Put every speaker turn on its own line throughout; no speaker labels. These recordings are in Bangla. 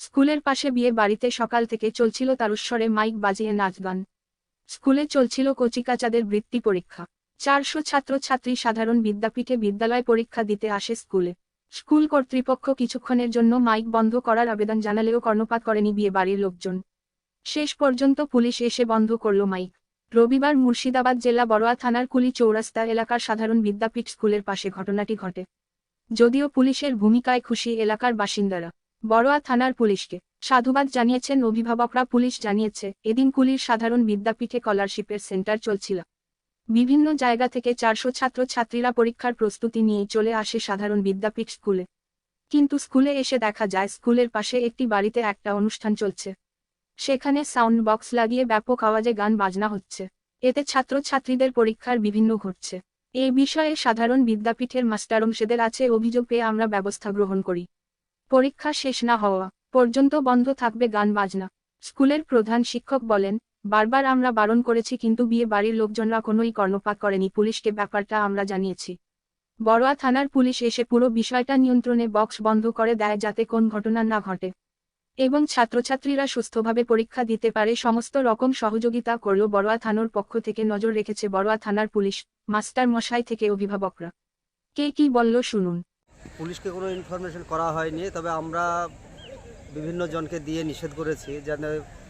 স্কুলের পাশে বিয়ে বাড়িতে সকাল থেকে চলছিল তারস্বরে মাইক বাজিয়ে নাচ গান। স্কুলে চলছিল কচিকাচাদের বৃত্তি পরীক্ষা। 400 ছাত্রছাত্রী সাধারণ বিদ্যাপীঠে বিদ্যালয় পরীক্ষা দিতে আসে স্কুলে। স্কুল কর্তৃপক্ষ কিছুক্ষণের জন্য মাইক বন্ধ করার আবেদন জানালেও কর্ণপাত করেনি বিয়ে বাড়ির লোকজন। শেষ পর্যন্ত পুলিশ এসে বন্ধ করল মাইক। রবিবার মুর্শিদাবাদ জেলা বড়োয়া থানার কুলি চৌরাস্তা এলাকার সাধারণ বিদ্যাপীঠ স্কুলের পাশে ঘটনাটি ঘটে। যদিও পুলিশের ভূমিকায় খুশি এলাকার বাসিন্দারা। বড়োয়া থানার পুলিশকে সাধুবাদ জানিয়েছেন অভিভাবকরা। পুলিশ জানিয়েছে, এদিন কুলির সাধারণ বিদ্যাপীঠে স্কলারশিপের সেন্টার চলছিল। বিভিন্ন জায়গা থেকে 400 ছাত্রছাত্রীরা পরীক্ষার প্রস্তুতি নিয়ে চলে আসে সাধারণ বিদ্যাপীঠ স্কুলে। কিন্তু স্কুলে এসে দেখা যায় স্কুলের পাশে একটি বাড়িতে একটা অনুষ্ঠান চলছে। সেখানে সাউন্ড বক্স লাগিয়ে ব্যাপক আওয়াজে গান বাজনা হচ্ছে। এতে ছাত্রছাত্রীদের পরীক্ষার বিভিন্ন ঘটছে। এই বিষয়ে সাধারণ বিদ্যাপীঠের মাস্টারমশাইদের আছে অভিযোগ পেয়ে আমরা ব্যবস্থা গ্রহণ করি। পরীক্ষা শেষ না হওয়া পর্যন্ত বন্ধ থাকবে গান বাজনা। স্কুলের প্রধান শিক্ষক বলেন, বারবার আমরা বারণ করেছি কিন্তু বিয়ে বাড়ির লোকজনরা কোনোই কর্ণপাত করেনি। পুলিশকে ব্যাপারটা আমরা জানিয়েছি। বড়োয়া থানার পুলিশ এসে পুরো বিষয়টা নিয়ন্ত্রণে বক্স বন্ধ করে দেয় যাতে কোন ঘটনা না ঘটে এবং ছাত্রছাত্রীরা সুস্থভাবে পরীক্ষা দিতে পারে। সমস্ত রকম সহযোগিতা করল বড়োয়া থানার পক্ষ থেকে। নজর রেখেছে বড়োয়া থানার পুলিশ, মাস্টার মশাই থেকে অভিভাবকরা। কে কি বলল শুনুন।
পুলিশকে কোনো ইনফরমেশন করা হয়নি, তবে আমরা বিভিন্ন জনকে দিয়ে নিষেধ করেছি যেন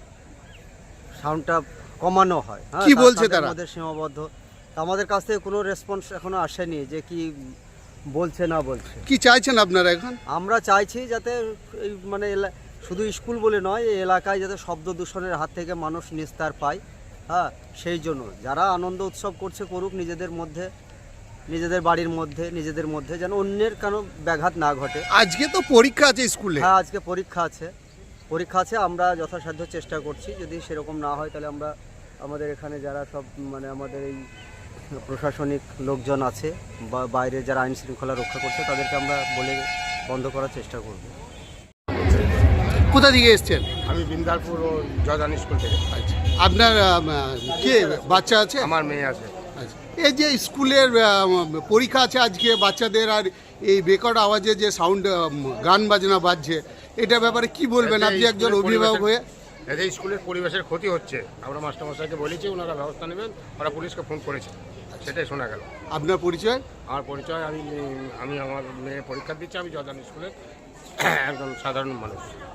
সাউন্ডটা কমানো হয়।
কি বলছে তারা?
আমাদের সীমাবদ্ধ, আমাদের কাছ থেকে কোনো রেসপন্স এখনো আসেনি যে কি বলছে না বলছে।
কি চাইছেন আপনারা এখন?
আমরা চাইছি যাতে এই মানে শুধু স্কুল বলে নয়, এই এলাকায় যাতে শব্দ দূষণের হাত থেকে মানুষ নিস্তার পায়। সেই জন্য যারা আনন্দ উৎসব করছে করুক নিজেদের মধ্যে, নিজেদের বাড়ির মধ্যে, নিজেদের মধ্যে, যেন অন্যের কোনো ব্যাঘাত না ঘটে।
আজকে তো পরীক্ষা আছে স্কুলে।
হ্যাঁ, আজকে পরীক্ষা আছে। আমরা যথাসাধ্য চেষ্টা করছি। যদি সেরকম না হয় তাহলে আমরা আমাদের এখানে যারা সব মানে আমাদের এই প্রশাসনিক লোকজন আছে বা বাইরে যারা আইন শৃঙ্খলা রক্ষা করছে তাদেরকে আমরা বলে বন্ধ করার চেষ্টা করব।
কোথা থেকে এসছেন?
আমি বিন্দালপুর ও জর্দান স্কুল থেকে।
আচ্ছা, আপনার কে বাচ্চা আছে?
আমার মেয়ে আছে।
আচ্ছা, এই যে স্কুলের পরীক্ষা আছে আজকে বাচ্চাদের, আর এই বেকট আওয়াজে যে সাউন্ড গান বাজনা বাজছে, এটা ব্যাপারে কি বলবেন আপনি একজন অভিভাবক হয়ে?
এতে স্কুলের পরিবেশের ক্ষতি হচ্ছে। আমরা মাস্টারমশাইকে বলেছি, ওনারা ব্যবস্থা নেবেন। ওরা পুলিশকে ফোন করেছে, সেটাই শোনা গেল।
আপনার পরিচয়?
আমার পরিচয়, আমি আমার মেয়ে পরীক্ষা দিচ্ছি। আমি জর্দান স্কুলের একজন সাধারণ মানুষ।